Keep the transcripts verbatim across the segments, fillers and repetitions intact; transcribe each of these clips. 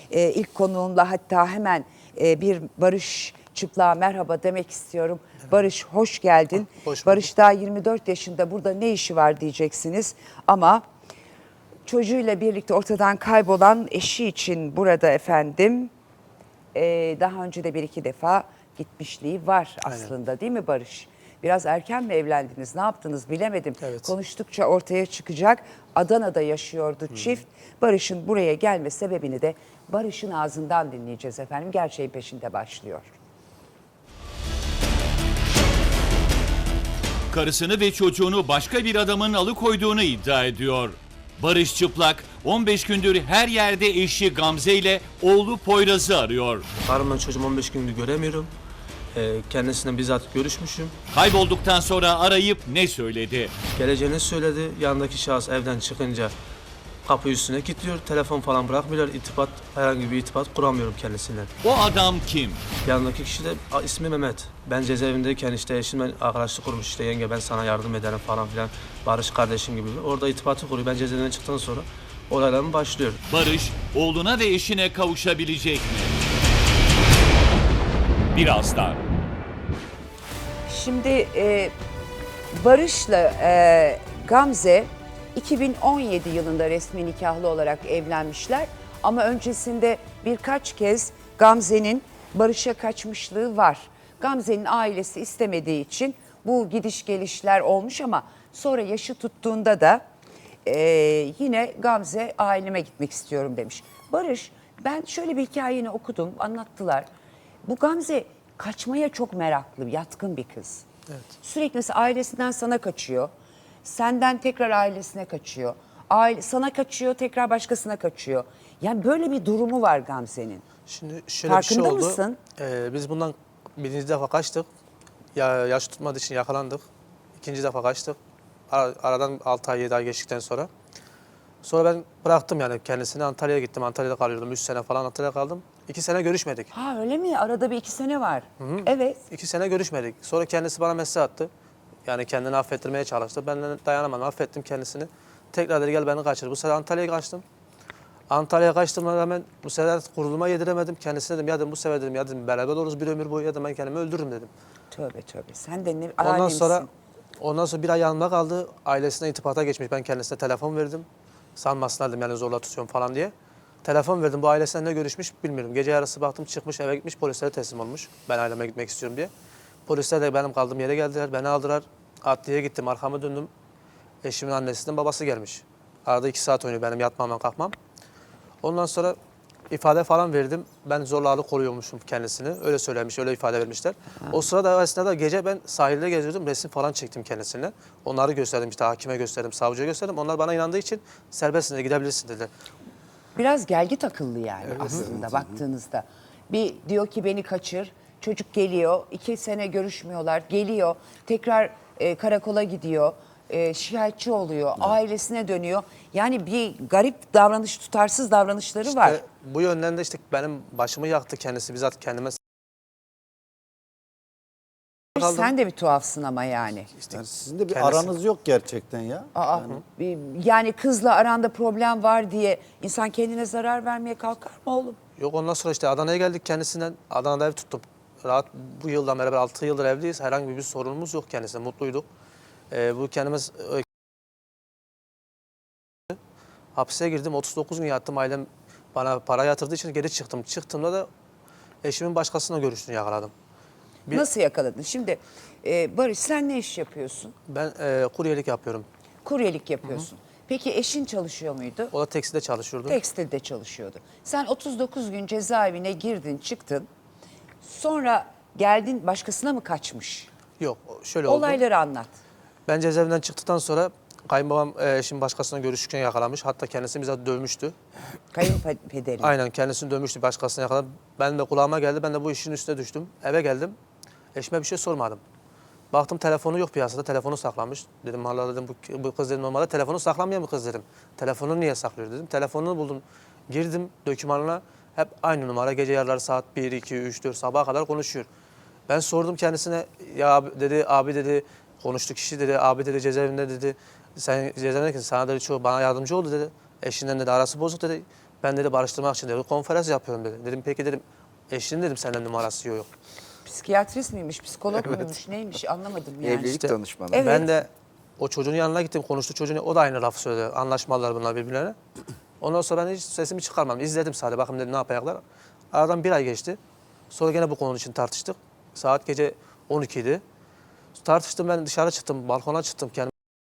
e, ilk konuğumla hatta hemen e, bir Barış Çıplak'a merhaba demek istiyorum. Evet. Barış hoş geldin. Hoş Barış daha yirmi dört yaşında, burada ne işi var diyeceksiniz ama çocuğuyla birlikte ortadan kaybolan eşi için burada efendim e, daha önce de bir iki defa gitmişliği var aslında. Aynen. Değil mi Barış? Biraz erken mi evlendiniz? Ne yaptınız bilemedim. Evet. Konuştukça ortaya çıkacak. Adana'da yaşıyordu çift. Hmm. Barış'ın buraya gelme sebebini de Barış'ın ağzından dinleyeceğiz efendim. Gerçeğin peşinde başlıyor. Karısını ve çocuğunu başka bir adamın alıkoyduğunu iddia ediyor. Barış Çıplak on beş gündür her yerde eşi Gamze ile oğlu Poyraz'ı arıyor. Karımla çocuğum on beş gündür göremiyorum. Ee, kendisiyle bizzat görüşmüşüm. Kaybolduktan sonra arayıp ne söyledi? Geleceğini söyledi. Yanındaki şahıs evden çıkınca kapı üstüne kilitliyor. Telefon falan bırakmıyorlar. İrtibat, herhangi bir irtibat kuramıyorum kendisiyle. O adam kim? Yanındaki kişi de ismi Mehmet. Ben cezaevindeyken işte eşimle arkadaşlık kurmuş, işte yenge ben sana yardım ederim falan filan. Barış kardeşim gibi. Orada irtibatı kuruyor. Ben cezaevinden çıktıktan sonra olaylarım başlıyor. Barış oğluna ve eşine kavuşabilecek mi? Birazdan. Şimdi e, Barış'la e, Gamze iki bin on yedi yılında resmi nikahlı olarak evlenmişler. Ama öncesinde birkaç kez Gamze'nin Barış'a kaçmışlığı var. Gamze'nin ailesi istemediği için bu gidiş gelişler olmuş ama sonra yaşı tuttuğunda da e, yine Gamze aileme gitmek istiyorum demiş. Barış, ben şöyle bir hikayeni okudum, anlattılar. Bu Gamze kaçmaya çok meraklı, yatkın bir kız. Evet. Sürekli mesela ailesinden sana kaçıyor. Senden tekrar ailesine kaçıyor. Aile, sana kaçıyor, tekrar başkasına kaçıyor. Yani böyle bir durumu var Gamze'nin. Şimdi şöyle Farkında bir şey oldu. mısın? Ee, biz bundan birinci defa kaçtık. Ya, yaş tutmadığı için yakalandık. İkinci defa kaçtık. Ar aradan altı ay yedi ay geçtikten sonra. Sonra ben bıraktım yani kendisini. Antalya'ya gittim. Antalya'da kalıyordum. üç sene falan Antalya'da kaldım. iki sene görüşmedik. Ha öyle mi? Arada bir iki sene var. Hı -hı. Evet. iki sene görüşmedik. Sonra kendisi bana mesaj attı. Yani kendini affettirmeye çalıştı. Ben de dayanamadım. Affettim kendisini. Tekrar dedi gel beni kaçır. Bu sefer Antalya'ya kaçtım. Antalya'ya kaçtığıma rağmen bu sefer kuruluma yediremedim. Kendisine dedim ya dedim bu sefer dedim ya dedim beraber oluruz bir ömür boyu ya dedim ben kendimi öldürürüm dedim. Tövbe tövbe. Sen de ne Ondan alemsin. sonra ondan sonra bir ay yanımda kaldı. Ailesine irtibata geçmiş. Ben kendisine telefon verdim. Sanmasınlar dedim yani zorla tutuyorum falan diye. Telefon verdim. Bu ailesiyle ne görüşmüş bilmiyorum. Gece yarısı baktım çıkmış eve gitmiş polislere teslim olmuş. Ben aileme gitmek istiyorum diye. Polisler de benim kaldığım yere geldiler. Beni aldılar. Adliyeye gittim. Arkamı döndüm. Eşimin annesinin babası gelmiş. Arada iki saat oynuyor benim yatmam kalkmam. Ondan sonra ifade falan verdim. Ben zorla alıkoruyormuşum kendisini. Öyle söylemiş, öyle ifade vermişler. Ha. O sırada esnada gece ben sahilde geziyordum. Resim falan çektim kendisine. Onları gösterdim işte hakime gösterdim, savcıya gösterdim. Onlar bana inandığı için serbestsin de gidebilirsin dedi. Biraz gelgit akıllı yani evet. aslında baktığınızda. Bir diyor ki beni kaçır. Çocuk geliyor. iki sene görüşmüyorlar. Geliyor. Tekrar e, karakola gidiyor. E, şikayetçi oluyor. Evet. Ailesine dönüyor. Yani bir garip davranış, tutarsız davranışları işte var. Bu yönden de işte benim başımı yaktı kendisi. Bizzat kendime kaldım. Sen de bir tuhafsın ama yani. İşte yani sizin de bir kendisi... aranız yok gerçekten ya. Aa, yani. yani kızla aranda problem var diye insan kendine zarar vermeye kalkar mı oğlum? Yok ondan sonra işte Adana'ya geldik kendisinden. Adana'da ev tuttum. Rahat bu yıldan beraber altı yıldır evliyiz. Herhangi bir sorunumuz yok kendisine. Mutluyduk. Ee, bu kendimiz hapse girdim. otuz dokuz gün yattım. Ailem bana para yatırdığı için geri çıktım. Çıktığımda da eşimin başkasıyla görüştüğünü yakaladım. Bir... Nasıl yakaladın? Şimdi e, Barış sen ne iş yapıyorsun? Ben e, kuryelik yapıyorum. Kuryelik yapıyorsun. Hı hı. Peki eşin çalışıyor muydu? O da tekstilde çalışıyordu. Tekstilde çalışıyordu. Sen otuz dokuz gün cezaevine girdin, çıktın. Sonra geldin başkasına mı kaçmış? Yok, şöyle oldu. Olayları anlat. Ben cezaevinden çıktıktan sonra kayınbabam eşim başkasına görüşürken yakalamış. Hatta kendisi bize dövmüştü. Kayınpederin. Aynen kendisini dövmüştü, başkasına yakaladı. Ben de kulağıma geldi. Ben de bu işin üstüne düştüm. Eve geldim. Eşime bir şey sormadım. Baktım telefonu yok piyasada. Telefonu saklamış. Dedim Allah dedim bu, bu kız dedim normalde telefonu saklanmayan bir kız dedim. Telefonu niye saklıyor dedim. Telefonunu buldum. Girdim dokümanına. Hep aynı numara. Gece yarıları saat bir, iki, üç, dört sabaha kadar konuşuyor. Ben sordum kendisine. Ya abi dedi, abi dedi konuştu kişi dedi. Abi dedi cezaevinde dedi. Sen cezaevindeyken sana dedi çoğu bana yardımcı oldu dedi. Eşinden dedi arası bozuk dedi. Ben dedi barıştırmak için dedi konferans yapıyorum dedi. Dedim peki dedim eşinin dedim senden numarası yok. Psikiyatrist miymiş, psikolog muymuş, neymiş anlamadım yani. Evlilik İşte- danışmanı. Evet. Ben de o çocuğun yanına gittim konuştu çocuğun o da aynı lafı söyledi. Anlaşmalılar bunlar birbirlerine. Ondan sonra ben hiç sesimi çıkarmadım. İzledim sadece bakın dedim ne yapacaklar. Aradan bir ay geçti. Sonra gene bu konu için tartıştık. Saat gece on iki idi. Tartıştım ben dışarı çıktım balkona çıktım kendimi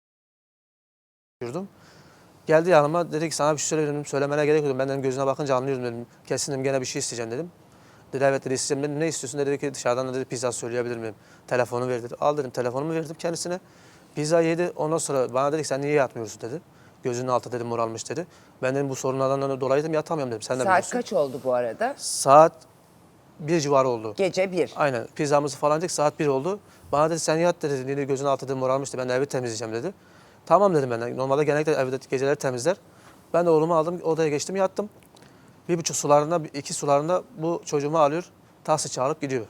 yürüdüm. Geldi yanıma dedi ki sana bir şey söyleyelim söylemene gerek yok. Ben dedim gözüne bakınca anlıyorum dedim. Kesin dedim gene bir şey isteyeceğim dedim. Dedi evet dedi isteyeceğim dedim. Ne istiyorsun dedi ki dışarıdan dedi pizza söyleyebilir miyim? Telefonu ver dedi. Al dedim telefonumu verdim kendisine. Pizza yedi ondan sonra bana dedi ki sen niye yatmıyorsun dedi. Gözünün altı dedim moralmış dedi. Ben dedim bu sorunlardan dolayı dedim yatamıyorum dedim. Sen de Saat biliyorsun. kaç oldu bu arada? Saat bir civarı oldu. Gece bir. Aynen pizzamızı falan yedik saat bir oldu. Bana dedi sen yat dedi. Dedi gözünün altı dedim moralmıştı ben de evi temizleyeceğim dedi. Tamam dedim ben de. Normalde genellikle evde geceleri temizler. Ben de oğlumu aldım odaya geçtim yattım. Bir buçuk sularında iki sularında bu çocuğumu alıyor. Taksi çağırıp gidiyor.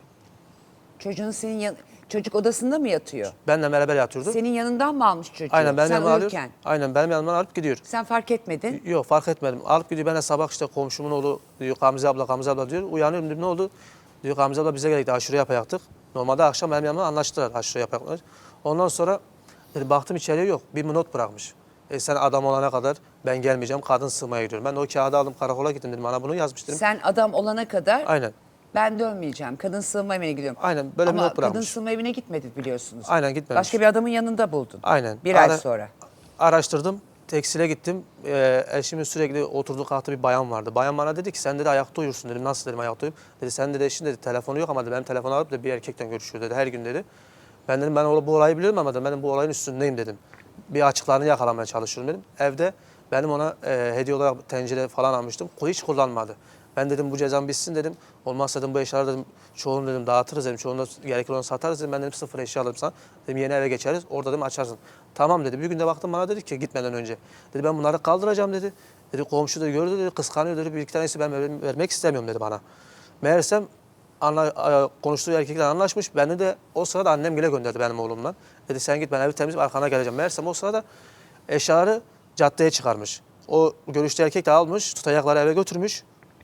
Çocuğun senin yan... Çocuk odasında mı yatıyor? Benle beraber yatıyordu. Senin yanından mı almış çocuğu? Aynen benim Sen yanıma alıyor. uyurken. Aynen benim yanımdan alıp gidiyor. Sen fark etmedin. Yok fark etmedim. Alıp gidiyor. Ben de sabah işte komşumun oğlu diyor Gamze abla Gamze abla diyor. Uyanıyorum diyor ne oldu? Diyor Gamze abla bize gerekti aşure yapacaktık. Normalde akşam benim yanımda anlaştılar aşure yapacaklar. Ondan sonra dedi, baktım içeriye yok. Bir not bırakmış. E sen adam olana kadar ben gelmeyeceğim kadın sığmaya gidiyorum. Ben de o kağıdı aldım karakola gittim dedim bana bunu yazmış dedim. Sen adam olana kadar Aynen. ben dönmeyeceğim. Kadın sığınma evine gidiyorum. Aynen, böyle bir Ama not bırakmış. kadın sığınma evine gitmedi biliyorsunuz. Aynen, gitmemiş. Başka bir adamın yanında buldun. Aynen. Bir ay Ara- sonra. Araştırdım. Tekstile gittim. Ee, eşimin sürekli oturduğu kalktığı bir bayan vardı. Bayan bana dedi ki sen dedi ayakta uyursun dedim. Nasıl dedim ayakta uyuyup. Dedi sen dedi eşin dedi telefonu yok ama dedi, benim telefonu alıp da bir erkekten görüşüyor dedi her gün dedi. Ben dedim ben o- bu olayı biliyorum ama dedim, ben bu olayın üstündeyim dedim. Bir açıklarını yakalamaya çalışıyorum dedim. Evde benim ona e, hediye olarak tencere falan almıştım. Hiç kullanmadı. Ben dedim bu cezam bitsin dedim. Olmazsa dedim bu eşyaları dedim çoğunu dedim dağıtırız dedim. Çoğunu da gerekli olanı satarız dedim. Ben dedim sıfır eşya alırım sana. Dedim yeni eve geçeriz. Orada dedim açarsın. Tamam dedi. Bir gün de baktım bana dedi ki gitmeden önce. Dedi ben bunları kaldıracağım dedi. Dedi komşu da gördü dedi kıskanıyor dedi. Bir iki tanesi ben ver- vermek istemiyorum dedi bana. Meğersem anla, e, konuştuğu erkekler anlaşmış. Beni de o sırada annem bile gönderdi benim oğlumdan. Dedi sen git ben evi temizleyip arkana geleceğim. Meğersem o sırada eşyaları caddeye çıkarmış. O görüştüğü erkek de almış, tutacakları eve götürmüş.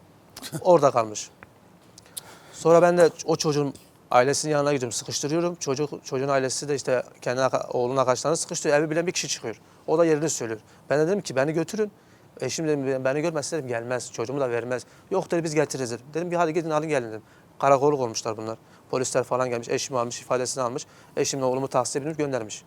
Orada kalmış. Sonra ben de o çocuğun ailesinin yanına gidiyorum, sıkıştırıyorum. Çocuk çocuğun ailesi de işte kendi aka- oğlunun arkadaşlarını sıkıştırıyor. Evi bilen bir kişi çıkıyor. O da yerini söylüyor. Ben de dedim ki beni götürün. Eşim dedim beni görmezse dedim gelmez. Çocuğumu da vermez. Yok dedi biz getiririz dedim. Dedim ki hadi gidin alın gelin dedim. Karakolluk olmuşlar bunlar. Polisler falan gelmiş. Eşimi almış, ifadesini almış. Eşimle oğlumu tahsis edip göndermiş.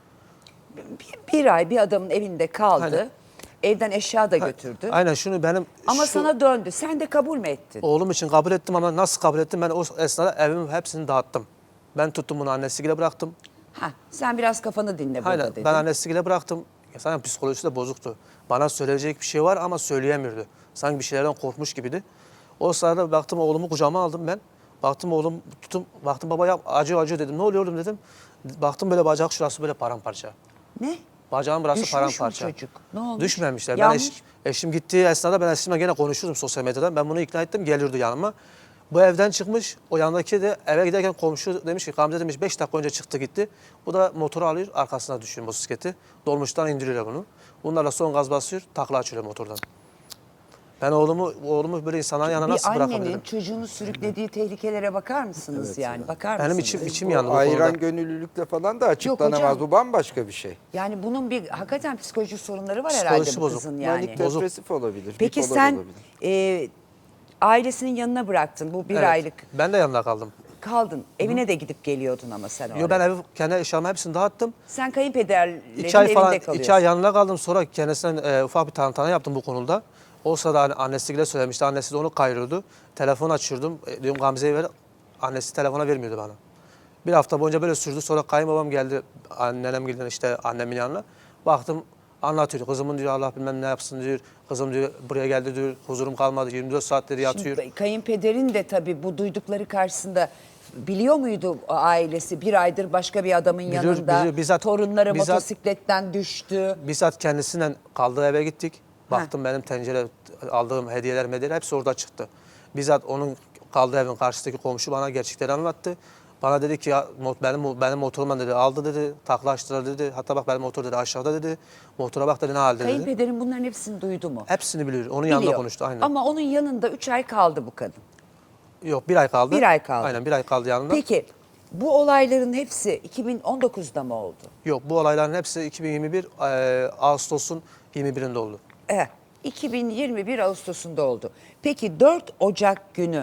Bir, bir ay bir adamın evinde kaldı. Aynen. Evden eşya da götürdü. Aynen şunu benim Ama şu- sana döndü. Sen de kabul mü ettin? Oğlum için kabul ettim ama nasıl kabul ettim? Ben o esnada evimin hepsini dağıttım. Ben tuttum bunu annesiyle bıraktım. Ha, sen biraz kafanı dinle burada Aynen dedin. ben annesiyle bıraktım. Ya zaten psikolojisi de bozuktu. Bana söyleyecek bir şey var ama söyleyemiyordu. Sanki bir şeylerden korkmuş gibiydi. O sırada baktım oğlumu kucağıma aldım ben. Baktım oğlum tutum, baktım baba yap acıyor acıyor dedim. Ne oluyor oğlum dedim. Baktım böyle bacak şurası böyle paramparça. Ne? Bacağın burası Düşmüş mü paramparça. çocuk? Ne olmuş? Düşmemişler. Ben Yanmış. eş- eşim gittiği esnada ben eşimle gene konuşuyordum sosyal medyadan. Ben bunu ikna ettim geliyordu yanıma. Bu evden çıkmış. O yanındaki de eve giderken komşu demiş ki Gamze demiş beş dakika önce çıktı gitti. Bu da motoru alıyor arkasına düşüyor motosikleti. Dolmuştan indiriyorlar bunu. Bunlarla son gaz basıyor takla açıyor motordan. Ben oğlumu oğlumu böyle insanların yanına Bir nasıl annenin bırakabilirim? çocuğunu sürüklediği tehlikelere bakar mısınız yani? Bakar mısınız? Benim içim içim Bu yandı bu ayıran konuda. gönüllülükle falan da açıklanamaz. hocam. Bu bambaşka bir şey. Yani bunun bir hakikaten psikolojik sorunları var Psikolojisi herhalde bu bozuk. kızın yani. Manik Bozuk. depresif olabilir. Peki bipolar sen olabilir. e, ailesinin yanına bıraktın bu bir Evet, aylık. Ben de yanında kaldım. Kaldın. Evine de gidip geliyordun ama sen oraya. Yo ben evi kendi eşyalarımı hepsini dağıttım. Sen kayınpederlerin İki ay evinde falan, kalıyorsun. iki ay yanına kaldım. Sonra kendisinden e, ufak bir tantana yaptım bu konuda. O sırada hani annesiyle söylemişti. Annesi de onu kayırıyordu. Telefon açıyordum. E, diyorum Gamze'yi ver. Annesi telefona vermiyordu bana. Bir hafta boyunca böyle sürdü. Sonra kayınbabam geldi. Annem geldi işte annemin yanına. Baktım anlatıyor. Kızımın diyor Allah bilmem ne yapsın diyor. Kızım diyor buraya geldi diyor. Huzurum kalmadı. yirmi dört saatleri yatıyor. Şimdi kayınpederin de tabii bu duydukları karşısında biliyor muydu o ailesi bir aydır başka bir adamın Biliyor, yanında biliyor. Bizzat- torunları bizzat- motosikletten düştü. Bizzat kendisinden kaldığı eve gittik. Baktım benim tencere aldığım hediyeler medyeler hepsi orada çıktı. Bizzat onun kaldığı evin karşısındaki komşu bana gerçekleri anlattı. Bana dedi ki ya, mo- benim benim motorumdan dedi aldı dedi, taklaştılar dedi. Hatta bak benim motor dedi aşağıda dedi. Motora bak dedi ne halde dedi. Kayınpederin bunların hepsini duydu mu? Hepsini biliyor. Onun yanında Biliyor. konuştu aynen. Ama onun yanında üç ay kaldı bu kadın. Yok bir ay kaldı. Bir ay kaldı. Aynen bir ay kaldı yanında. Peki bu olayların hepsi iki bin on dokuzda mı oldu? Yok bu olayların hepsi iki bin yirmi bir e, Ağustos'un yirmi birinde oldu. Evet. iki bin yirmi bir Ağustos'unda oldu. Peki dört Ocak günü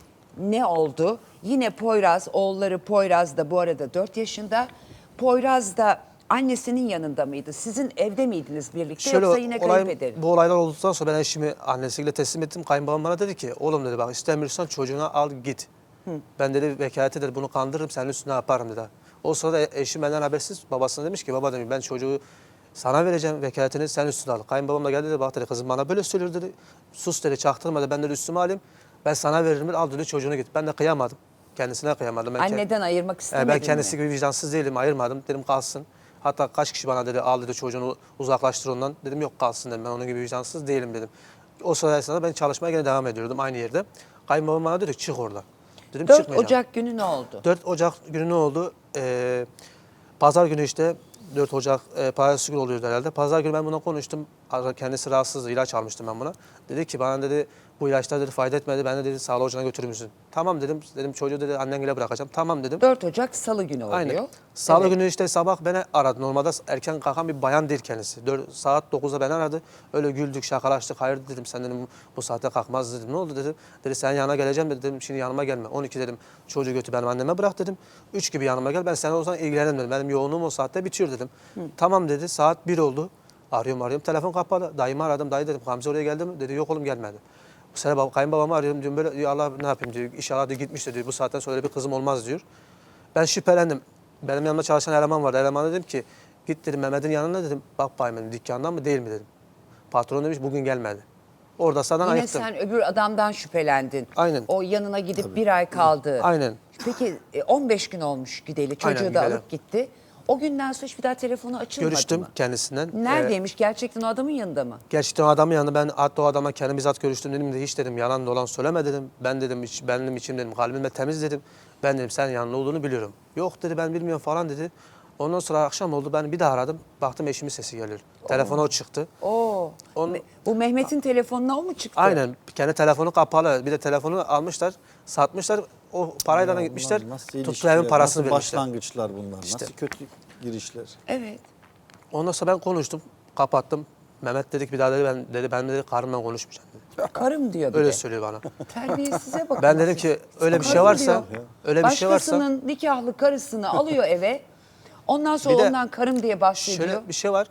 ne oldu? Yine Poyraz, oğulları Poyraz da bu arada dört yaşında. Poyraz da annesinin yanında mıydı? Sizin evde miydiniz birlikte yoksa yine olay- kayınpederin? bu olaylar olduktan sonra ben eşimi annesiyle teslim ettim. Kayınbabam bana dedi ki oğlum dedi bak istemiyorsan çocuğuna al git. Ben dedi vekalete dedi bunu kandırırım senin üstüne yaparım dedi. O sırada eşim benden habersiz babasına demiş ki baba demiş ben çocuğu sana vereceğim vekaletini sen üstüne al. Kayınbabam da geldi dedi bak dedi kızım bana böyle söylüyor dedi. Sus dedi çaktırma dedi ben dedi üstüme alayım. Ben sana veririm dedi, al dedi çocuğunu git. Ben de kıyamadım. Kendisine kıyamadım. Ben kend- Anneden ayırmak e, istemedin ben kendisi mi? gibi vicdansız değilim ayırmadım. Dedim kalsın. Hatta kaç kişi bana dedi al dedi çocuğunu uzaklaştır ondan. Dedim yok kalsın dedim ben onun gibi vicdansız değilim dedim. O sırada esnada ben çalışmaya gene devam ediyordum aynı yerde. Kayınbabam bana dedi ki, çık oradan. Dedim dört çıkmayacağım. Ocak günü ne oldu? dört Ocak günü ne oldu? Ee, Pazar günü işte dört Ocak e, pazartesi günü oluyordu herhalde. Pazar günü ben buna konuştum. Kendisi rahatsızdı. İlaç almıştım ben buna. Dedi ki bana dedi bu ilaçlar dedi fayda etmedi. Ben de dedi sağlık ocağına götürür müsün? Tamam dedim. Dedim çocuğu dedi annenle bırakacağım. Tamam dedim. dört Ocak Salı günü oluyor. Aynen. Salı Evet. günü işte sabah beni aradı. Normalde erken kalkan bir bayan değil kendisi. dört, saat dokuzda beni aradı. Öyle güldük, şakalaştık. Hayır dedim sen dedim bu saatte kalkmaz dedim. Ne oldu dedim. Dedi sen yanına geleceğim dedi. Dedim şimdi yanıma gelme. on iki dedim çocuğu götür benim anneme bırak dedim. üç gibi yanıma gel ben sana o zaman ilgilenirim dedim. Benim yoğunluğum o saatte bitiyor dedim. Tamam dedi saat bir oldu. Arıyorum arıyorum telefon kapalı. Dayımı aradım. Dayı dedim Gamze oraya geldi mi? Dedi yok oğlum gelmedi. Bu sene bab- kayınbabamı arıyorum diyorum böyle diyor Allah ne yapayım diyor. İnşallah diyor gitmiş diyor. Bu saatten sonra öyle bir kızım olmaz diyor. Ben şüphelendim. Benim yanımda çalışan eleman vardı. Elemana dedim ki git dedim Mehmet'in yanına dedim. Bak bayım dedim dükkandan mı değil mi dedim. Patron demiş bugün gelmedi. Orada sana Yine ayıktım. sen öbür adamdan şüphelendin. Aynen. O yanına gidip bir ay kaldı. Aynen. Peki e, on beş gün olmuş gideli. Çocuğu Aynen, da gideli. alıp gitti. O günden sonra hiç bir daha telefonu açılmadı Görüştüm mı? kendisinden. Ee, Neredeymiş? Gerçekten o adamın yanında mı? gerçekten o adamın yanında ben hatta o adama kendim bizzat görüştüm dedim de hiç dedim yalan dolan söyleme dedim. Ben dedim hiç, benim içim dedim kalbim de temiz dedim. Ben dedim sen yanında olduğunu biliyorum. Yok dedi ben bilmiyorum falan dedi. Ondan sonra akşam oldu ben bir daha aradım. Baktım eşimin sesi geliyor. Telefona o çıktı. Oo. Onun- Me- Bu Mehmet'in telefonuna o mu çıktı? Aynen. Kendi telefonu kapalı. Bir de telefonu almışlar, satmışlar. O parayla da gitmişler. Bunlar nasıl Tuttuğu ilişkiler, evin parasını nasıl vermişler. başlangıçlar bunlar, İşte. nasıl kötü girişler. Evet. Ondan sonra ben konuştum. Kapattım. Mehmet dedi ki bir daha dedi ben dedi ben dedi karımla konuşmayacağım dedi. Karım diyor bir Öyle de. söylüyor bana. Terbiyesize bakın. Ben dedim ki öyle bir şey Karım varsa diyor. öyle bir şey varsa Başkasının nikahlı karısını alıyor eve. Ondan sonra Bir de ondan karım diye bahsediyor. şöyle bir şey var.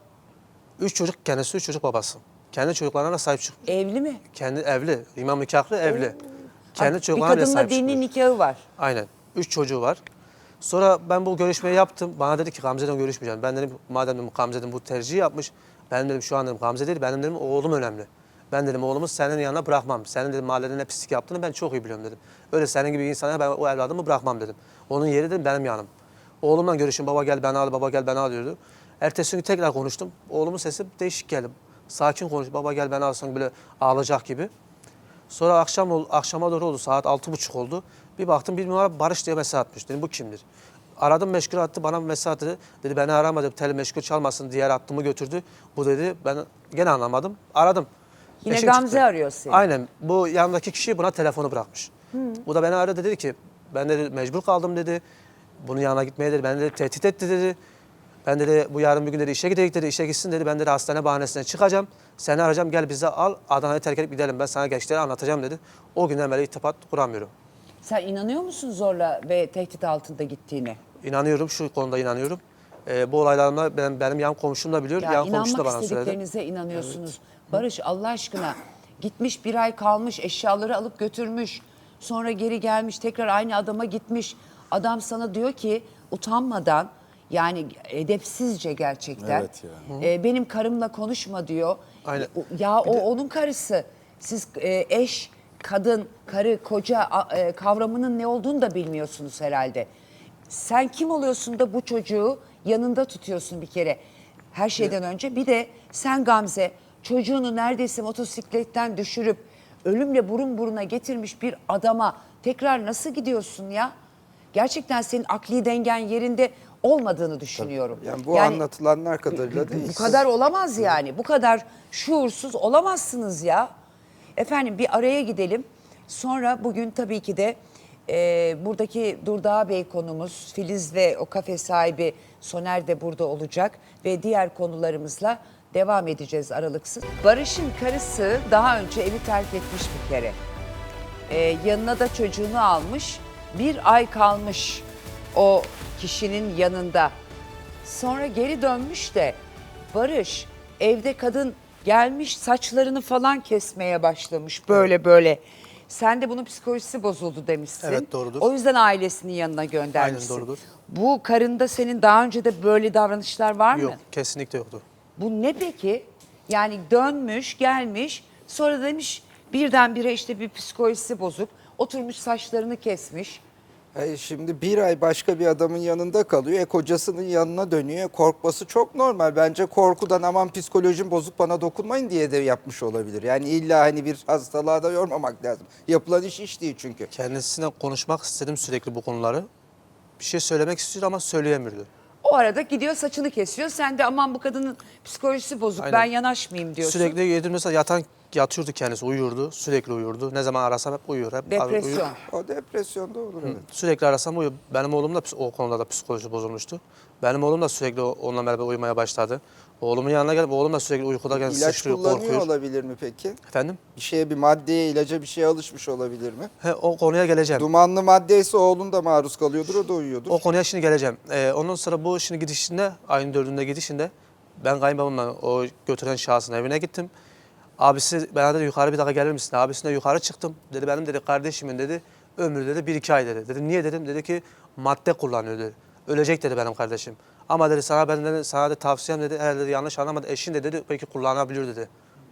Üç çocuk kendisi üç çocuk babası. Kendi çocuklarına da sahip çıkmış. Evli mi? Kendi evli. İmam nikahlı evli. Kendi Bir çocuklarına bile kadınla sahip dini çıkmış. nikahı var. Aynen. Üç çocuğu var. Sonra ben bu görüşmeyi yaptım. Bana dedi ki Gamze'den görüşmeyeceğim. Ben dedim madem dedim, Gamze dedim, bu tercihi yapmış. Ben dedim şu an dedim Gamze değil. Benim dedim oğlum önemli. Ben dedim oğlumu senin yanına bırakmam. Senin dedim mahallede ne pislik yaptığını ben çok iyi biliyorum dedim. Öyle senin gibi bir insana ben o evladımı bırakmam dedim. Onun yeri dedim benim yanım. Oğlumla görüşün baba gel beni al baba gel beni al diyordu. Ertesi gün tekrar konuştum. Oğlumun sesi değişik geldi. Sakin konuş baba gel beni alsan böyle ağlayacak gibi. Sonra akşam ol, akşama doğru oldu. Saat altı buçuk oldu. Bir baktım bir numara Barış diye mesaj atmış. Dedim bu kimdir? Aradım meşgul attı. Bana bir mesaj attı. Dedi beni aramadı. Tel meşgul çalmasın. Diğer hattımı götürdü. Bu dedi ben gene anlamadım. Aradım. Yine Eşim Gamze çıktı. arıyor seni. Aynen. Bu yanındaki kişi buna telefonu bırakmış. Bu da beni aradı dedi ki ben dedi mecbur kaldım dedi. Bunun yanına gitmeye dedi. Ben dedi tehdit etti dedi. Ben dedi bu yarın bir gün dedi işe gidecek dedi. İşe gitsin dedi. Ben dedi hastane bahanesine çıkacağım. Seni arayacağım gel bize al. Adana'yı terk edip gidelim. Ben sana gençleri anlatacağım dedi. O günden beri irtibat kuramıyorum. Sen inanıyor musun zorla ve tehdit altında gittiğine? İnanıyorum şu konuda inanıyorum. Ee, bu olaylarımda benim, benim yan komşum da biliyor. Ya yan komşu da inanmak bana söyledi. istediklerinize inanıyorsunuz. Barış Allah aşkına gitmiş bir ay kalmış eşyaları alıp götürmüş. Sonra geri gelmiş tekrar aynı adama gitmiş. Adam sana diyor ki utanmadan yani edepsizce gerçekten. Evet ya. e, benim karımla konuşma diyor. Aynen. Ya o onun karısı. Siz e, eş, kadın, karı, koca a- e, kavramının ne olduğunu da bilmiyorsunuz herhalde. Sen kim oluyorsun da bu çocuğu yanında tutuyorsun bir kere. Her şeyden önce bir de sen Gamze çocuğunu neredeyse motosikletten düşürüp ölümle burun buruna getirmiş bir adama tekrar nasıl gidiyorsun ya? gerçekten senin akli dengen yerinde olmadığını düşünüyorum. Yani bu anlatılanlar kadarıyla değil. Bu kadar olamaz yani. Bu kadar şuursuz olamazsınız ya. Efendim bir araya gidelim. Sonra bugün tabii ki de e, buradaki Durdağ Bey konumuz Filiz ve o kafe sahibi Soner de burada olacak. Ve diğer konularımızla devam edeceğiz aralıksız. Barış'ın karısı daha önce evi terk etmiş bir kere. E, yanına da çocuğunu almış. Bir ay kalmış o kişinin yanında. Sonra geri dönmüş de Barış evde kadın gelmiş saçlarını falan kesmeye başlamış böyle böyle. Sen de bunun psikolojisi bozuldu demişsin. Evet, doğrudur. O yüzden ailesinin yanına göndermişsin. Aynen, doğrudur. Bu karında senin daha önce de böyle davranışlar var mı? Yok, kesinlikle yoktu. Bu ne peki? Yani dönmüş gelmiş sonra demiş birdenbire işte bir psikolojisi bozuk. Oturmuş saçlarını kesmiş. Hayır, şimdi bir ay başka bir adamın yanında kalıyor. E kocasının yanına dönüyor. Korkması çok normal. Bence korkudan aman psikolojim bozuk bana dokunmayın diye de yapmış olabilir. Yani illa hani bir hastalığa da yormamak lazım. Yapılan iş iş değil çünkü. Kendisiyle konuşmak istedim sürekli bu konuları. Bir şey söylemek istiyor ama söyleyemiyordu. O arada gidiyor saçını kesiyor. Sen de aman bu kadının psikolojisi bozuk Aynen. ben yanaşmayayım diyorsun. Sürekli yedim mesela yatan yatıyordu kendisi, uyuyordu. Sürekli uyuyordu. Ne zaman arasam hep uyuyor. Hep Depresyon. uyuyor. O depresyonda olur evet. Sürekli arasam uyuyor. Benim oğlum da ps- o konuda da psikoloji bozulmuştu. Benim oğlum da sürekli o- onunla beraber uyumaya başladı. Oğlumun yanına gelip oğlum da sürekli uykudayken İlaç sıçrıyor, kullanıyor korkuyor. olabilir mi peki? Efendim? Bir şeye, bir maddeye, ilaca bir şeye alışmış olabilir mi? He, o konuya geleceğim. Dumanlı maddeyse oğlun da maruz kalıyordur, o da uyuyordur. O konuya şimdi geleceğim. Ee, ondan sonra bu şimdi gidişinde, ayın dördünde gidişinde ben kayınbabamla o götüren şahsın evine gittim. Abisi bana dedi yukarı bir dakika gelir misin? Abisine yukarı çıktım. Dedi benim dedi kardeşimin dedi ömrü dedi bir iki ay dedi. Dedim niye dedim? Dedi ki madde kullanıyor dedi. Ölecek dedi benim kardeşim. Ama dedi sana ben dedi, sana da tavsiyem dedi eğer dedi yanlış anlamadı eşin de dedi belki kullanabilir dedi.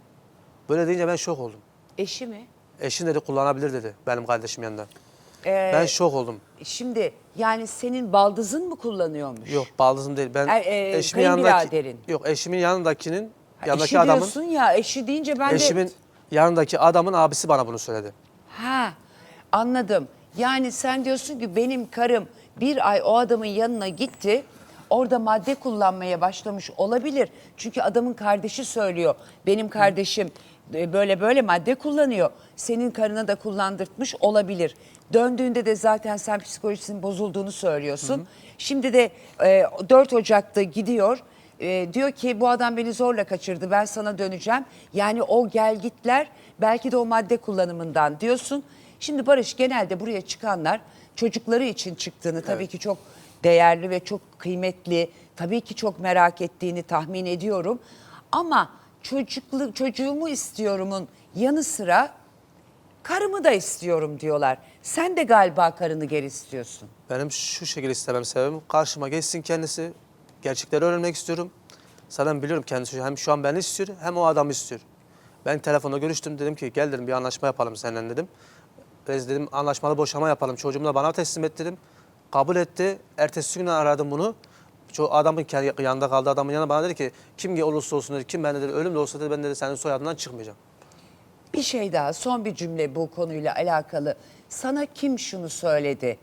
Böyle deyince ben şok oldum. Eşi mi? Eşin dedi kullanabilir dedi benim kardeşim yanında. Ee, Ben şok oldum. Şimdi yani senin baldızın mı kullanıyormuş? Yok baldızım değil. Ben Er- e, eşimin yanındaki kayınbiraderin. yok eşimin yanındakinin Ha, yanındaki eşi adamın diyorsun ya eşi deyince ben eşimin de... yanındaki adamın abisi bana bunu söyledi. Ha anladım. Yani sen diyorsun ki benim karım bir ay o adamın yanına gitti. Orada madde kullanmaya başlamış olabilir. Çünkü adamın kardeşi söylüyor. Benim kardeşim e, böyle böyle madde kullanıyor. Senin karına da kullandırtmış olabilir. Döndüğünde de zaten sen psikolojisinin bozulduğunu söylüyorsun. Hı hı. Şimdi de e, dört Ocak'ta gidiyor. E, diyor ki bu adam beni zorla kaçırdı ben sana döneceğim. Yani o gelgitler belki de o madde kullanımından diyorsun. Şimdi Barış genelde buraya çıkanlar çocukları için çıktığını tabii ki çok değerli ve çok kıymetli, tabii ki çok merak ettiğini tahmin ediyorum. Ama çocuklu, çocuğumu istiyorumun yanı sıra karımı da istiyorum diyorlar. Sen de galiba karını geri istiyorsun. Benim şu şekilde istemem sebebim karşıma geçsin kendisi. Gerçekleri öğrenmek istiyorum. Zaten biliyorum kendisi hem şu an beni istiyor hem o adamı istiyor. Ben telefonda görüştüm dedim ki gel dedim bir anlaşma yapalım seninle dedim. Biz dedim anlaşmalı boşama yapalım çocuğumu da bana teslim et dedim. Kabul etti. Ertesi gün aradım bunu. Ço adamın kendi yanında kaldı adamın yanına bana dedi ki kim olursa olsun dedi kim ben dedi ölüm de olsa dedi ben dedi senin soyadından çıkmayacağım. Bir şey daha son bir cümle bu konuyla alakalı. Sana kim şunu söyledi?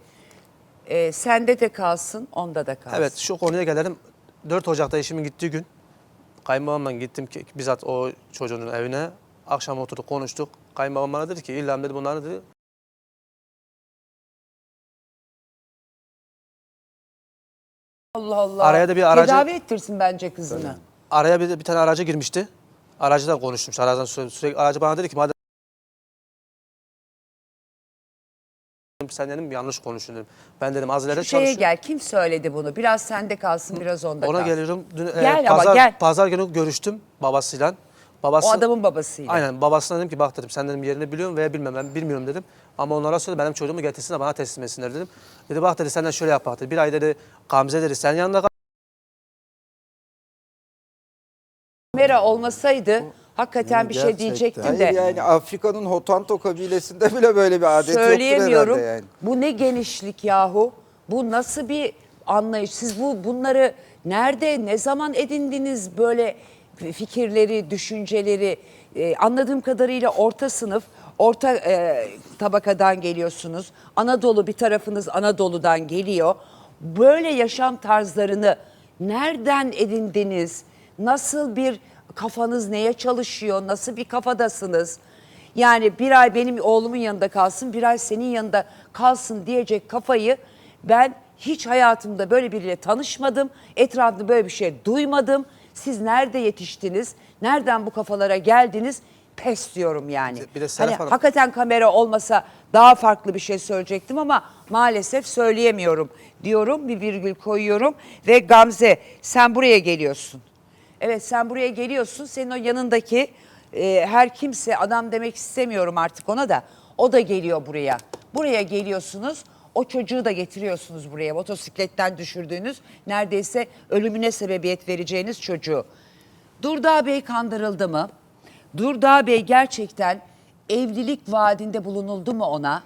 Ee, sende de kalsın onda da kalsın. Evet şu konuya gelelim. dört Ocak'ta eşimin gittiği gün kayınbabamla gittim ki bizzat o çocuğun evine. Akşam oturduk konuştuk. Kayınbabam bana dedi ki İlham dedi bunları dedi. Allah Allah. Araya da bir aracı- Tedavi ettirsin bence kızını. Araya bir, bir tane aracı girmişti. Aracıyla konuşmuş. Aradan sürekli, sürekli aracı bana dedi ki madem sen dedim yanlış konuştun dedim. Ben dedim az ileride Şu şeye çalışıyorum. gel. Kim söyledi bunu? Biraz sende kalsın, biraz onda Ona kalsın. geliyorum. Dün, e, Gel ama pazar, gel. Pazar günü görüştüm babasıyla. Babası, O adamın babasıyla. Aynen babasına dedim ki bak dedim sen dedim yerini biliyorum veya bilmem ben bilmiyorum dedim. Ama onlara söyle benim çocuğumu getirsin de bana teslim etsinler dedim. Dedi bak dedi senden şöyle yap bak dedi. Bir ay dedi Gamze dedi sen yanında kal. Kamera olmasaydı hakikaten bir şey Gerçekten. diyecektim Hayır de. yani Afrika'nın Hotanto kabilesinde bile böyle bir adet yoktur Söyleyemiyorum. herhalde yani. Bu ne genişlik yahu? Bu nasıl bir anlayış? Siz bu bunları nerede, ne zaman edindiniz böyle fikirleri, düşünceleri? Ee, anladığım kadarıyla orta sınıf, orta e, tabakadan geliyorsunuz. Anadolu, bir tarafınız Anadolu'dan geliyor. Böyle yaşam tarzlarını nereden edindiniz? Nasıl bir kafanız neye çalışıyor? Nasıl bir kafadasınız? Yani bir ay benim oğlumun yanında kalsın, bir ay senin yanında kalsın diyecek kafayı ben hiç hayatımda böyle biriyle tanışmadım. Etrafımda böyle bir şey duymadım. Siz nerede yetiştiniz? Nereden bu kafalara geldiniz? Pes diyorum yani. Bir de Serap hani Hanım- hakikaten kamera olmasa daha farklı bir şey söyleyecektim ama maalesef söyleyemiyorum diyorum. Bir virgül koyuyorum ve Gamze sen buraya geliyorsun. Evet sen buraya geliyorsun. Senin o yanındaki e, her kimse, adam demek istemiyorum artık ona da, o da geliyor buraya. Buraya geliyorsunuz. O çocuğu da getiriyorsunuz buraya. Motosikletten düşürdüğünüz, neredeyse ölümüne sebebiyet vereceğiniz çocuğu. Durdağ Bey kandırıldı mı? Durdağ Bey gerçekten evlilik vaadinde bulunuldu mu ona?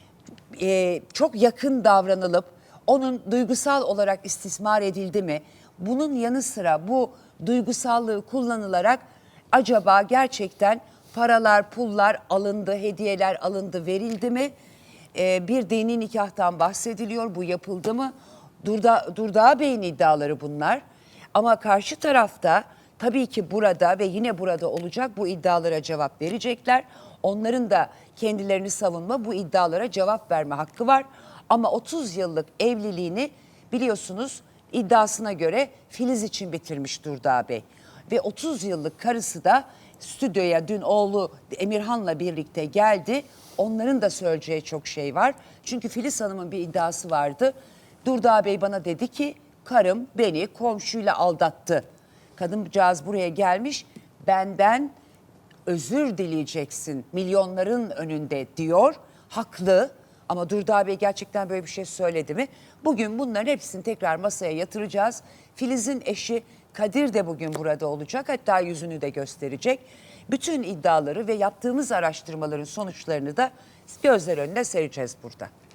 Ee, çok yakın davranılıp onun duygusal olarak istismar edildi mi? Bunun yanı sıra bu duygusallığı kullanılarak acaba gerçekten paralar, pullar alındı, hediyeler alındı, verildi mi? Ee, bir dini nikahtan bahsediliyor. Bu yapıldı mı? Durda, Durdağ Bey'in iddiaları bunlar. Ama karşı tarafta tabii ki burada ve yine burada olacak, bu iddialara cevap verecekler. Onların da kendilerini savunma, bu iddialara cevap verme hakkı var. Ama otuz yıllık evliliğini biliyorsunuz iddiasına göre Filiz için bitirmiş Durdağ Bey. Ve otuz yıllık karısı da stüdyoya dün oğlu Emirhan'la birlikte geldi. Onların da söyleyeceği çok şey var. Çünkü Filiz Hanım'ın bir iddiası vardı. Durdağ Bey bana dedi ki karım beni komşuyla aldattı. Kadıncağız buraya gelmiş, benden özür dileyeceksin milyonların önünde diyor. Haklı ama Durdağ Bey gerçekten böyle bir şey söyledi mi? Bugün bunların hepsini tekrar masaya yatıracağız. Filiz'in eşi Kadir de bugün burada olacak, hatta yüzünü de gösterecek. Bütün iddiaları ve yaptığımız araştırmaların sonuçlarını da gözler önüne sereceğiz burada.